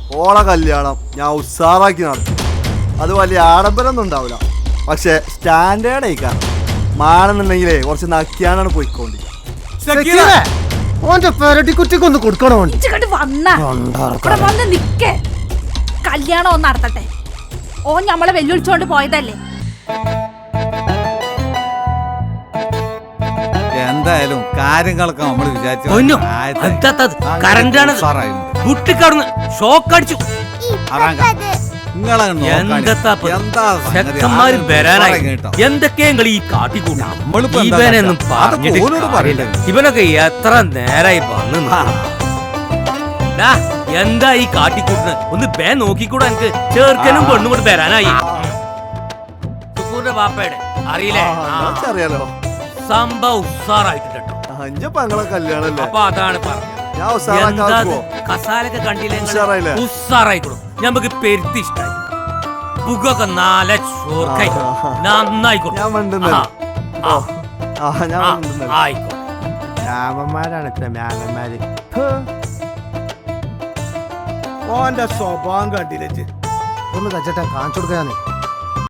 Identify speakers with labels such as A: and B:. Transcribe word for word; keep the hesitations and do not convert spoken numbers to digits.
A: ഓള കല്യാണം ഞാൻ ഉത്സാറാക്കി നടത്തും. അത് വലിയ ആഡംബരമൊന്നും ഉണ്ടാവില്ല, പക്ഷെ സ്റ്റാൻഡേർഡ് ആയിക്കാണ്. മാണെന്നുണ്ടെങ്കിലേ കുറച്ച് നക്കിയാനാണ് പോയിക്കോണ്ടി.
B: ഓന്റെ പെരട്ടി കുറ്റിക്കൊന്ന് കൊടുക്കണോ?
C: വന്ന് നിക്കേ, കല്യാണം ഒന്ന് നടത്തട്ടെ. ഓ ഞമ്മളെ വെല്ലുവിളിച്ചോണ്ട് പോയതല്ലേ.
D: എന്തായാലും കാര്യങ്ങളൊക്കെ നമ്മൾ വിചാരിച്ചു
E: ഷോക്ക് അടിച്ചു. എന്തൊക്കെയും ഈ കാട്ടിക്കൂട്ടും. ഇവനൊക്കെ എത്ര നേരായി വന്നു. എന്താ ഈ കാട്ടിക്കൂട്ടിന്? ഒന്ന് ബേ നോക്കിക്കൂടാ. എനിക്ക് ചേർക്കനും പെണ്ണും കൂടെ വരാനായി. സുക്കൂറിന്റെ ബാപ്പയുടെ അറിയില്ലേ?
A: അറിയാലോ.
E: സംഭവം ഉസാറായിട്ടുണ്ട്. അപ്പൊ അതാണ് പറഞ്ഞത്. കസാലൊക്കെ കണ്ടില്ലേ? ഉസാറായിക്കോളും. ഞമ്മക്ക് പെരുത്തി ഇഷ്ടായി. പുകൊക്കെ നാല ചോർക്കായി നന്നായിക്കോട്ടെ. ആയിക്കോട്ടെ.
B: രാമന്മാരാണ് ഇത്ര മ്യാനന്മാര്. ഓന്റെ സ്വഭാവം കണ്ടില്ലേ? ഒന്ന് കച്ചട്ടെ കാണിച്ചു കൊടുക്കാന്ന്.